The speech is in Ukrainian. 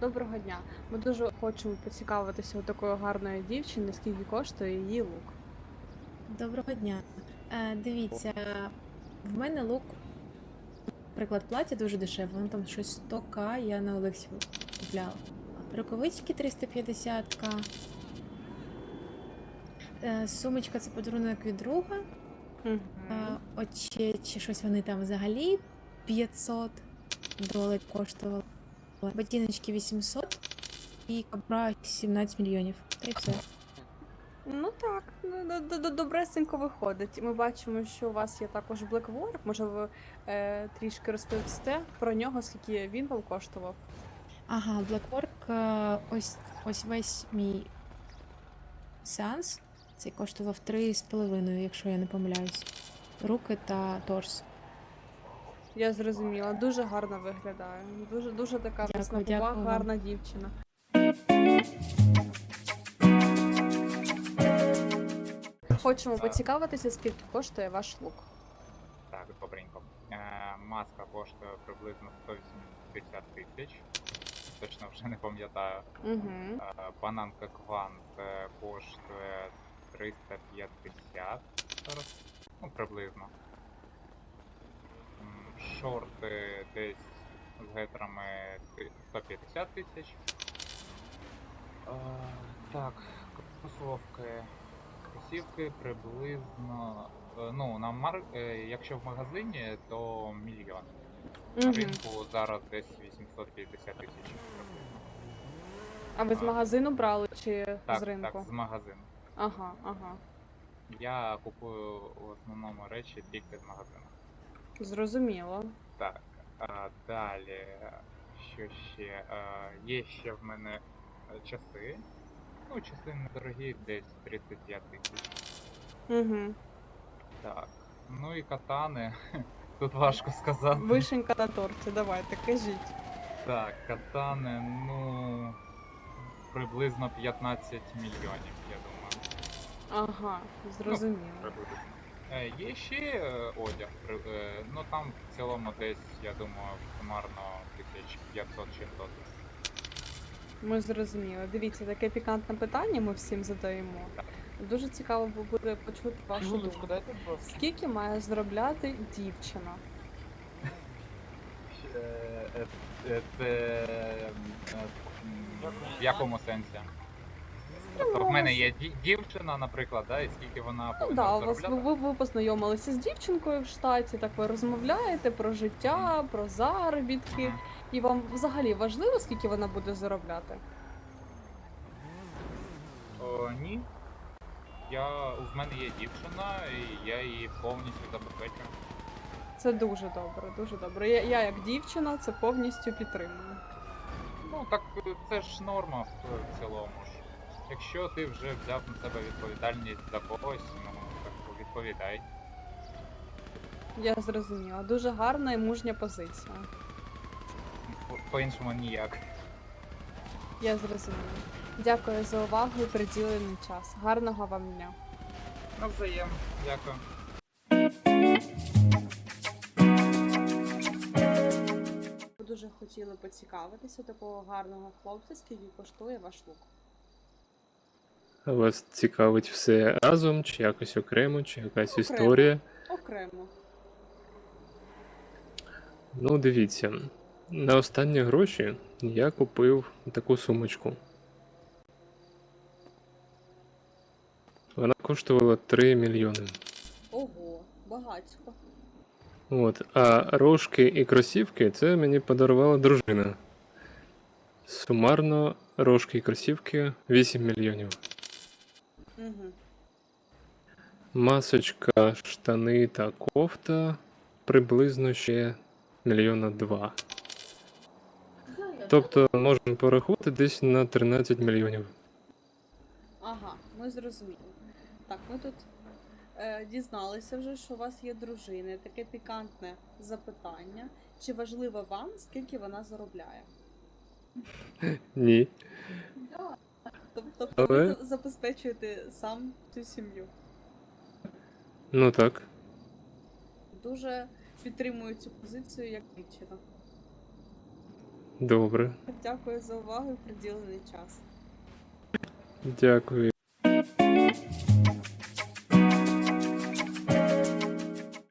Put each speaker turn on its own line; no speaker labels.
Доброго дня. Ми дуже хочемо поцікавитися у такої гарної дівчини, скільки коштує її лук.
Доброго дня. Дивіться, в мене лук, наприклад, плаття дуже дешеве, воно там щось 100к, я на Олексі купляла. Рукавички 350к. Сумочка це подарунок від друга.
Угу.
Очі, щось вони там взагалі $500 коштували. Ботиночки 800 і кобра 17 мільйонів. Та й все.
Ну так, добресенько виходить. Ми бачимо, що у вас є також Blackwork. Може, ви трішки розповісте про нього, скільки він вам коштував?
Ага, Blackwork, ось весь мій сеанс. Цей коштував 3,5, якщо я не помиляюсь. Руки та торс.
Я зрозуміла, дуже гарно виглядає. Дуже така
Дякую,
веснопова,
дякую вам.
гарна дівчина. Хочемо поцікавитися, скільки коштує ваш лук.
Так, добренько. Маска коштує приблизно 180 тисяч. Точно вже не пам'ятаю.
Угу.
Бананка Квант коштує 350 зараз. Ну, приблизно. Шорти десь з гетрами 150 тисяч. Так, кросівки приблизно. Ну, якщо в магазині, то мільйон. На ринку зараз десь 850 тисяч приблизно.
А ви з магазину брали чи
Так,
з ринку?
так, з магазину.
Ага.
Я купую в основному речі тільки з магазину.
Зрозуміло.
Так, далі, що ще? Є ще в мене часи. Ну, часи недорогі, десь 35 тисяч.
Угу.
Так, ну і катани. Тут важко сказати.
Вишенька на торті, давайте, кажіть.
Так, катани, ну, приблизно 15 мільйонів, я думаю.
Ага, зрозуміло.
Приблизно. Є ще одяг, ну там в цілому десь, я думаю, сумарно 1500-600.
Ми зрозуміли. Дивіться, таке пікантне питання ми всім задаємо. Дуже цікаво буде почути вашу думку.
дайте, будь ласка.
Скільки має заробляти дівчина?
В якому сенсі? Тобто в мене є дівчина, наприклад, да, і скільки вона
Ну
повинна
да, у вас
заробляти?
ви познайомилися з дівчинкою в штаті, так ви розмовляєте про життя, про заробітки.
Мгм.
І вам взагалі важливо, скільки вона буде заробляти?
Ні. В мене є дівчина, і я її повністю забезпечую.
Це дуже добре, дуже добре. Я як дівчина це повністю підтримую.
Ну так це ж норма в цілому ж. Якщо ти вже взяв на себе відповідальність за когось, ну так відповідай.
Я зрозуміла. Дуже гарна і мужня позиція.
По-іншому ніяк.
Я зрозуміла. Дякую за увагу і приділений час. Гарного вам дня.
Навзаєм. Дякую.
Ви дуже хотіли поцікавитися такого гарного хлопця, скільки коштує ваш лук.
А вас цікавить все разом, чи якось окремо, чи якась
Окремо.
історія?
Окремо.
Ну, дивіться, на останні гроші я купив таку сумочку. Вона коштувала 3 мільйони.
Ого, багатько.
От, а рожки і кросівки це мені подарувала дружина. Сумарно рожки і кросівки 8 мільйонів.
Угу.
Масочка, штани та кофта приблизно ще 1,2 мільйона. Тобто можна порахувати десь на 13 мільйонів.
Ага, ми зрозуміли. Так, ми тут дізналися вже, що у вас є дружина. Таке пікантне запитання. Чи важливо вам, скільки вона заробляє?
Ні.
Тобто
Але-
ви забезпечуєте сам цю сім'ю.
Ну так.
Дуже підтримую цю позицію як дівчина.
Добре.
Дякую за увагу і приділений час.
Дякую.